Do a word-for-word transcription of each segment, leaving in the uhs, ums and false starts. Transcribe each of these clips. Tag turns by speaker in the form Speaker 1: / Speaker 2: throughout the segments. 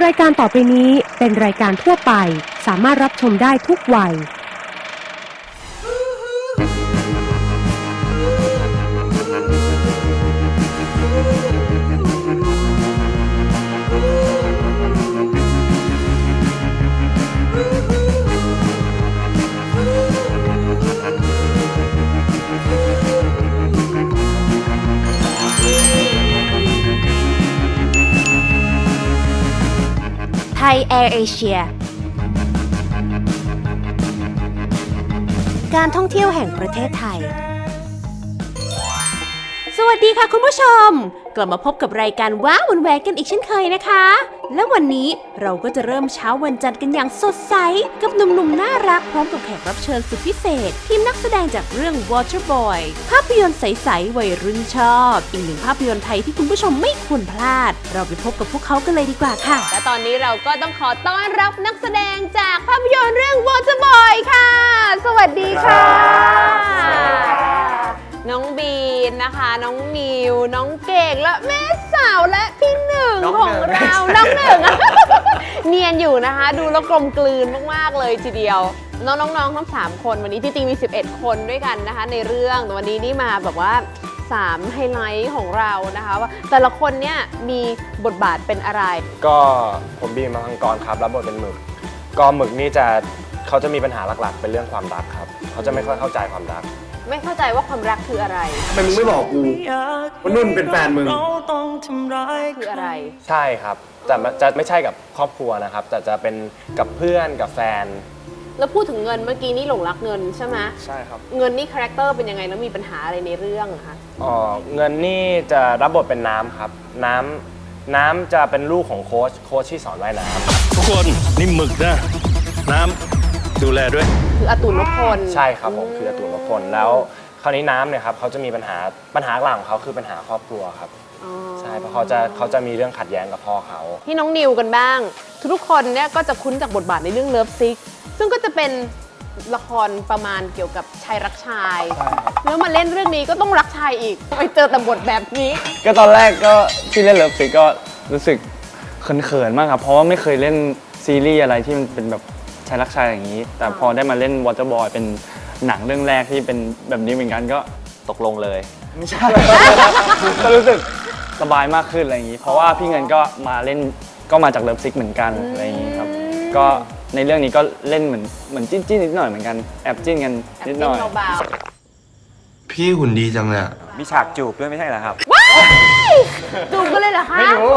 Speaker 1: รายการต่อไปนี้เป็นรายการทั่วไปสามารถรับชมได้ทุกวัย
Speaker 2: ไทยแอร์เอเชียการท่องเที่ยวแห่งประเทศไทยสวัสดีค่ะคุณผู้ชมกลับมาพบกับรายการว้าวนแหวกกันอีกเช่นเคยนะคะและวันนี้เราก็จะเริ่มเช้าวันจันทร์กันอย่างสดใสกับหนุ่มๆน่ารักพร้อมกับแขกรับเชิญสุดพิเศษทีมนักแสดงจากเรื่อง Waterboy ภาพยนตร์ใสๆวัยรุ่นชอบอีกหนึ่งภาพยนตร์ไทยที่คุณผู้ชมไม่ควรพลาดเราไปพบกับพวกเขากันเลยดีกว่าค่ะและตอนนี้เราก็ต้องขอต้อนรับนักแสดงจากภาพยนตร์เรื่อง Waterboy ค่ะสวัสดีค่ะน้องบีนนะคะน้องนิวน้องเก่งและแม่สาวและพี่หนึ่งของเราน้องหนึ่ง เนียนอยู่นะคะดูแล้วกลมกลืนมากๆเลยทีเดียวน้องน้องๆทั้งสามคนวันนี้ที่จริงมีสิบเอ็ดคนด้วยกันนะคะในเรื่องแต่วันนี้นี่มาแบบว่าสามไฮไลท์ของเรานะคะว่าแต่ละคนเนี่ยมีบทบาทเป็นอะไร
Speaker 3: ก็ผมบีมมังกรครับรับบทเป็นหมึกก็หมึกนี่จะเขาจะมีปัญหาหลักๆเป็นเรื่องความรักครับเขาจะไม่ค่อยเข้าใจความรัก
Speaker 2: ไม่เข้าใจว่าความรักคืออะไร
Speaker 3: ทำไมมึงไม่บอกกูว่านุ่นเป็นแฟนมึง
Speaker 2: คืออะไร
Speaker 3: ใช่ครับแต่จะไม่ใช่กับครอบครัวนะครับแต่จะเป็นกับเพื่อนกับแฟน
Speaker 2: แล้วพูดถึงเงินเมื่อกี้นี่หลงรักเงินใช่ไหม
Speaker 3: ใช่ครับ
Speaker 2: เงินนี่คาแรคเตอร์เป็นยังไงแล้วมีปัญหาอะไรในเรื่องคะ
Speaker 3: อ๋อเงินนี่จะรับบทเป็นน้ำครับน้ำน้ำจะเป็นลูกของโค้ชโค้ชที่สอนว่ายน้
Speaker 4: ำทุกคนนี่หมึกนะน้ำดูแลด้วย
Speaker 2: คืออตุลนพล
Speaker 3: ใช่ครับผมคืออตุลนพลแล้วคราวนี้น้ำเนี่ยครับเขาจะมีปัญหาปัญหาหลักของเขาคือปัญหาครอบครัวครับใช่เพราะเขาจะเขาจะมีเรื่องขัดแย้งกับพ่อเขา
Speaker 2: ที่น้องนิวกันบ้างทุกคนเนี่ยก็จะคุ้นจากบทบาทในเรื่องเลิฟซิกซึ่งก็จะเป็นละครประมาณเกี่ยวกับชายรักชายแล้วมาเล่นเรื่องนี้ก็ต้องรักชายอีกไปเจอแต่บทแบบนี้
Speaker 5: ก็ตอนแรกก็ที่เล่นเลิฟซิกก็รู้สึกเขินๆมากครับเพราะว่าไม่เคยเล่นซีรีส์อะไรที่มันเป็นแบบชายรักชายอย่างนี้แต่พอได้มาเล่น Waterboy เป็นหนังเรื่องแรกที่เป็นแบบนี้เหมือนกันก็
Speaker 3: ตกลงเลย
Speaker 5: ไม่ใช่ ก็รู้สึกสบายมากขึ้นอะไรอย่างนี้เพราะว่าพี่เงินก็มาเล่นก็มาจากเลิฟซิกเหมือนกันอะไรอย่างนี้ครับก็ในเรื่องนี้ก็เล่นเหมือนเหมือนจิ้นจิ้นนิดหน่อยเหมือนกันแอบจิ้นกันนิดหน่อย
Speaker 4: พี่หุ่นดีจังเลย
Speaker 3: มีฉากจูบด้วยไม่ใช่เหรอครับ
Speaker 2: จูบกันเลยเหรอคะ
Speaker 5: ไม่รู้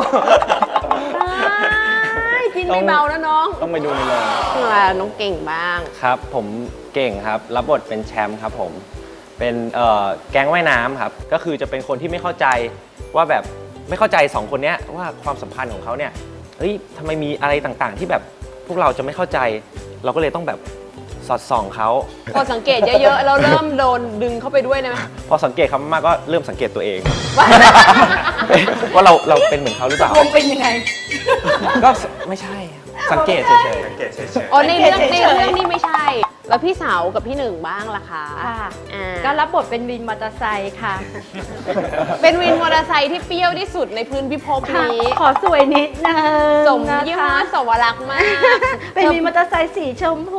Speaker 2: จิ้นไม่เบานะน้อง
Speaker 5: ต้องไปดูในโรง
Speaker 2: น้องเก่งบ้าง
Speaker 3: ครับผมเก่งครับรับบทเป็นแชมป์ครับผมเป็นแก๊งว่ายน้ำครับก็คือจะเป็นคนที่ไม่เข้าใจว่าแบบไม่เข้าใจสองคนนี้ว่าความสัมพันธ์ของเขาเนี่ยเฮ้ยทำไมมีอะไรต่างๆที่แบบพวกเราจะไม่เข้าใจเราก็เลยต้องแบบสอดส่องเขา
Speaker 2: พอสังเกตเยอะๆเราเริ่มโดนดึงเข้าไปด้วยนะ
Speaker 3: พอสังเกตเขามากก็เริ่มสังเกตตัวเองว่าเราเราเป็นเหมือนเขาหรือเปล่า
Speaker 2: เป็นยังไง
Speaker 3: ก็ไม่ใช่สังเกตเฉยๆสังเกตเฉยๆ
Speaker 2: อ๋อในเรื่องในเรื่องนี่ไม่ใช่แล้วพี่สาวกับพี่หนึ่งบ้างล่ะคะ
Speaker 6: ค่ะก็รับบทเป็นวินมอเตอร์ไซค์ค่ะ
Speaker 2: เป็นวินมอเตอร์ไซค์ที่เปรี้ยวที่สุดในพื้นพิภพนี้
Speaker 6: ขอสวยนิดนึง
Speaker 2: สมยี่ห้อสวรักษ์มาก
Speaker 6: เป็นวินมอเตอร์ไซค์สีชมพู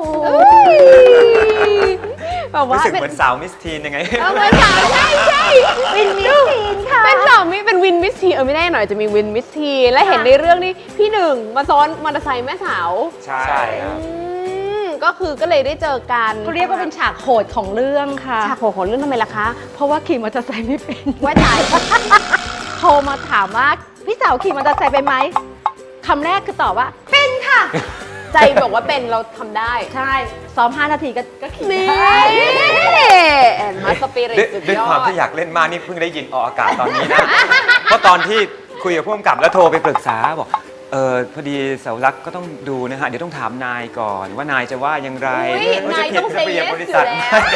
Speaker 3: แบบว่ารู้สึกเหมือนสาวมิสทีนยังไง
Speaker 2: เออเหมือนสาวใช่ใช่
Speaker 6: วินมิสทีนค่ะ
Speaker 2: เป็นสาวมิเป็นวินมิสทีนเออไม่แน่หน่อยจะมีวินมิสทีนและเห็นในเรื่องนี้พี่หนึ่งมาซ้อนมอเตอร์ไซค์แม่สาว
Speaker 3: ใช่ครับ
Speaker 2: ก็คือก็เลยได้เจอกัน
Speaker 6: เขาเรียกว่าเป็นฉากโหดของเรื่องค่ะ
Speaker 2: ฉากโหดของเรื่องทำไมล่ะคะ
Speaker 6: เพราะว่าขี่มอเตอร์ไซค์ไม่เป็น
Speaker 2: ว่าตาย
Speaker 6: โทรมาถามว่าพี่สาวขี่มอเตอร์ไซค์เป็นไหมคำแรกคือตอบว่าเป็นค่ะ
Speaker 2: ใจบอกว่าเป็นเราทำได้
Speaker 6: ใช่ซ้อมห้านาทีก็ก็ขี่
Speaker 2: ได้แอนมาสปิริตสุดยอด
Speaker 3: ด้วยความที่อยากเล่นมากนี่เพิ่งได้ยินออกอากาศตอนนี้นะเพราะตอนที่คุยกับผู้กำกับแล้วโทรไปปรึกษาบอกเออพอดีเสารักก็ต้องดูนะฮะเดี๋ยวต้องถามนายก่อนว่านายจะว่ายังไง
Speaker 2: นายต้องเซ็นเยสอยู่แล้ว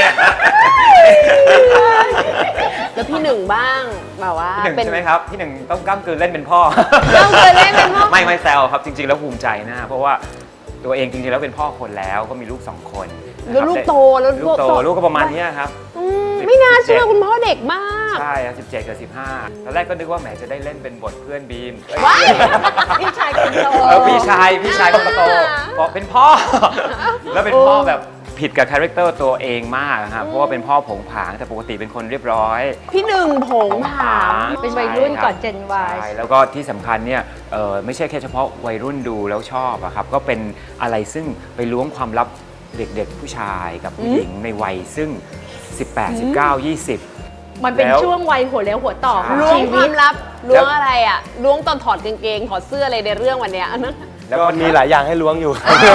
Speaker 2: แล้วพี่หนึ่งบ้างแบบว่า
Speaker 3: พี่หนึ่งใช่ไหมครับพี่หนึ่งต้องก้ามกืนเล่นเป็นพ่อ
Speaker 2: ก้ามกืนเล่นเป็นพ่อ
Speaker 3: ไม่ไม่แซวครับจริงๆแล้วภูมิใจนะเพราะว่าตัวเองจริงๆแล้วเป็นพ่อคนแล้วก็มีลูกสองคน
Speaker 2: แล้วลูกโตแล้ว
Speaker 3: ลูกโตลูกก็ประมาณนี้ครับ
Speaker 2: ไม่น่าเชื่อคุณพ่อเด็กมาก
Speaker 7: ใช่ครับสิบเจ็ดกับสิบห้าตอนแรกก็นึกว่าแหมจะได้เล่นเป็นบทเพื่อนบีม
Speaker 6: ว้ายพี่ชายคนโต
Speaker 7: เออพี่ชายพี่ชายคนโตเพราะเป็นพ่อ แล้วเป็นพ่อแบบผิดกับคาแรคเตอร์ตัวเองมากครับเพราะว่าเป็นพ่อผงผางแต่ปกติเป็นคนเรียบร้อย
Speaker 2: พี่หนึ่งผงผาง
Speaker 6: เป็นวัยรุ่นก่อนเจนวาย
Speaker 7: ใช่แล้วก็ที่สำคัญเนี่ยเอ่อไม่ใช่แค่เฉพาะวัยรุ่นดูแล้วชอบอะครับก็เป็นอะไรซึ่งไปล้วงความลับเด็กๆผู้ชายกับผู้หญิงในวัยซึ่ง สิบแปด สิบเก้า ยี่สิบ
Speaker 6: มันเป็น
Speaker 7: แล้ว
Speaker 6: ช่วงวัยหัวเลี้ยวหัวต่อของ
Speaker 2: ล้วง
Speaker 6: ชี
Speaker 2: ค
Speaker 6: วิ
Speaker 2: วา
Speaker 6: ต
Speaker 2: มลับล้วงอะไรอ่ะล้วงตอนถอดกางเกงถอดเสื้ออะไรในเรื่องวันเนี้ยนะ
Speaker 5: แล้วก็มีหลายอย่างให้ล้วงอยู่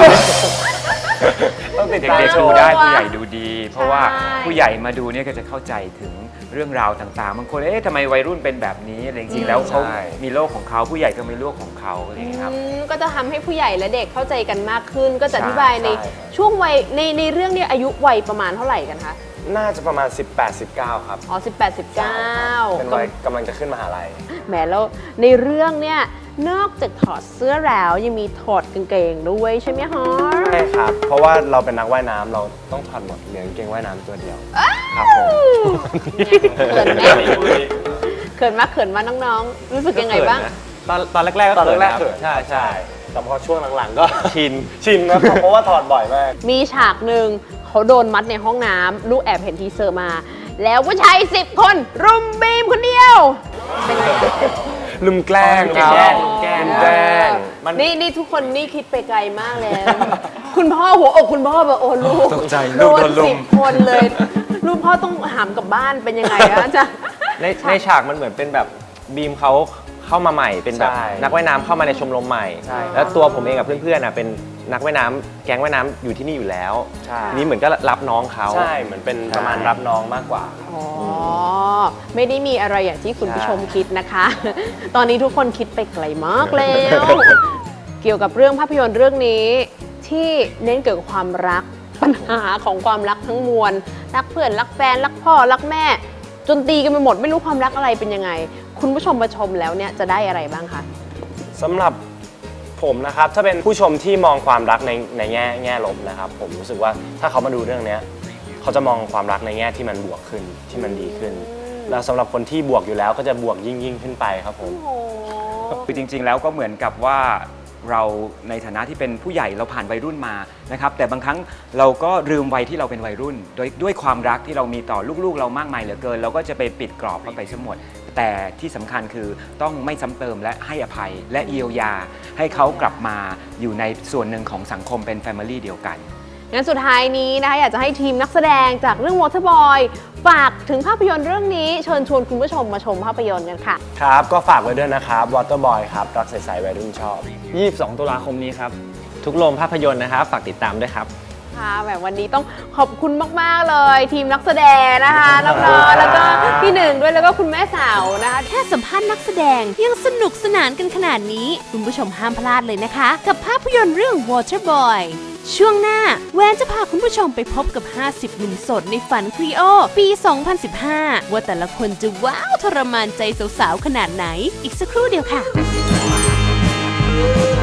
Speaker 5: ต้องติดตาม
Speaker 7: เด็ก
Speaker 5: ช
Speaker 7: ๆดู
Speaker 5: ม
Speaker 7: ได้ผู้ใหญ่ดูดี เพราะว่า
Speaker 2: ใช่
Speaker 7: ผู้ใหญ่มาดูเนี่ยก็จะเข้าใจถึงเรื่องราวต่างๆบางคนเอ๊ะทำไมวัยรุ่นเป็นแบบนี้อะไรจริงๆแล้วเขา
Speaker 5: ใช่
Speaker 7: มีโลกของเขาผู้ใหญ่ก็มีโลกของเขาอะไรอย่างเงี้ยครับ
Speaker 2: อืมก็จะทำให้ผู้ใหญ่และเด็กเข้าใจกันมากขึ้น ก็จะ
Speaker 7: ใช่
Speaker 2: อธิบายใน
Speaker 5: ใช่
Speaker 2: ช่วงวัยในในเรื่องเนี้อายุวัยประมาณเท่าไหร่กันคะ
Speaker 5: น่าจะประมาณ สิบแปด สิบเก้า ครับ
Speaker 2: อ๋อสิบแปด สิบเก้า
Speaker 5: เป็นวัยกำลังจะขึ้นมหาลัย
Speaker 2: แหมแล้วในเรื่องเนี่ยนอกจากถอดเสื้อแล้วยังมีถอดกางเกงด้วยใช่ไหมฮะ
Speaker 5: ใช่ครับ เพราะว่าเราเป็นนักว่ายน้ำเราต้องถอดหมดเหลือกางเกงว่ายน้ำตัวเดียว ครับผม
Speaker 2: เขินไหมเขินมากเขินมาน้องๆ รู้สึกยังไงบ้าง
Speaker 3: ตอนตอนแรกๆก็
Speaker 5: ตอน
Speaker 3: เขิน
Speaker 5: แรก
Speaker 3: ครับ
Speaker 5: ๆเขิน
Speaker 3: ใช่ใช่
Speaker 5: แต่พอช่วงหลังๆก็
Speaker 3: ชิน
Speaker 5: ชินนะครับ เพราะว่าถอดบ่อยมาก
Speaker 2: มีฉากหนึ่งเขาโดนมัดในห้องน้ำลูกแอบเห็นทีเซอร์มา แล้วผู้ชายสิบคนรุมบีมคนเดียว
Speaker 5: ลืมแกล้งครับ
Speaker 3: แกล้งแกล้ง
Speaker 5: ลืมแกล้ง
Speaker 3: มัน
Speaker 2: นี่นี่ทุกคนนี่คิดไปไกลมากแล้ว คุณพ่อหัวอกคุณพ่อแบบโอ้ลูก
Speaker 5: ตกใจ
Speaker 2: โด
Speaker 5: ลูก
Speaker 2: น
Speaker 5: โดนลุม
Speaker 2: สิบคนเลย ลูกพ่อต้องหามกลับบ้านเป็นยังไงอะอาจ๊ะ
Speaker 3: ในในฉากมันเหมือนเป็นแบบบีมเขาเข้ามาใหม่เป็นแบบ
Speaker 5: ใช่
Speaker 3: นักว่ายน้ำเข้ามาในชมรมใหม่
Speaker 5: ใช่
Speaker 3: แล้วตัวผมเองกับเพื่อนๆน่ะเป็นนักว่ายน้ำแก๊งว่ายน้ำอยู่ที่นี่อยู่แล้ว
Speaker 5: ใช่
Speaker 3: ทีนี้เหมือนก็รับน้องเขา
Speaker 5: ใช่เหมือนเป็นประมาณรับน้องมากกว่า
Speaker 2: อ๋อ ไม่ได้มีอะไรอย่างที่คุณผู้ชมคิดนะคะ ตอนนี้ทุกคนคิดไปไกลมากแล้ว เกี่ยวกับเรื่องภาพยนตร์เรื่องนี้ ที่เน้นเกี่ยวกับความรักปัญหาของความรักทั้งมวลรักเพื่อนรักแฟนรักพ่อรักแม่ จนตีกันไปหมดไม่รู้ความรักอะไรเป็นยังไง คุณผู้ชมมาชมแล้วเนี่ยจะได้อะไรบ้างคะ
Speaker 5: สำหรับผมนะครับ ถ้าเป็นผู้ชมที่มองความรักในในแง่แง่ลบนะครับ ผมรู้สึกว่าถ้าเขามาดูเรื่องเนี้ยเขาจะมองความรักในแง่ที่มันบวกขึ้นที่มันดีขึ้น แล้วสำหรับคนที่บวกอยู่แล้วก็จะบวกยิ่งยิ่งขึ้นไปครับผม
Speaker 7: คือจริงๆ แล้วก็เหมือนกับว่าเราในฐานะที่เป็นผู้ใหญ่เราผ่านวัยรุ่นมานะครับแต่บางครั้งเราก็ลืมวัยที่เราเป็นวัยรุ่น โดยด้วยความรักที่เรามีต่อลูกๆ เรามากมายเหลือเกิน เราก็จะไปปิดกรอบเข้าไปซะหมด แต่ที่สำคัญคือต้องไม่ซ้ำเติมและให้อภัยและเยียวยา ให้เขากลับมาอยู่ในส่วนหนึ่งของสังคมเป็นแฟมิลี่เดียวกัน
Speaker 2: งั้นสุดท้ายนี้นะคะอยากจะให้ทีมนักแสดงจากเรื่อง Waterboy ฝากถึงภาพยนตร์เรื่องนี้เชิญชวนคุณผู้ชมมาชมภาพยนตร์กันค่ะ
Speaker 5: ครับ ก็ฝากไว้ด้วยนะครับ Waterboy ครับรักใสๆวัยรุ่นชอบยี่สิบสอง ตุลาคมนี้ครับ
Speaker 3: ทุกโรงภาพยนตร์นะครับฝากติดตามด้วยครับ
Speaker 2: ค่ะแบบวันนี้ต้องขอบคุณมาก ๆ เลย ทีมนักแสดงนะคะน้องๆแล้วก็พี่หนึ่งด้วยแล้วก็คุณแม่สาวนะคะแค่สัมภาษณ์นักแสดงยังสนุกสนานกันขนาดนี้ คุณผู้ชมห้ามพลาดเลยนะคะ กับภาพยนตร์เรื่อง Waterboy ช่วงหน้าแวนจะพาคุณผู้ชมไปพบกับ ห้าสิบ หนุ่มโสดในฝันครีโอ ปี สองพันสิบห้า ว่าแต่ละคนจะว้าวทรมานใจสาวๆขนาดไหน อีกสักครู่เดียวค่ะ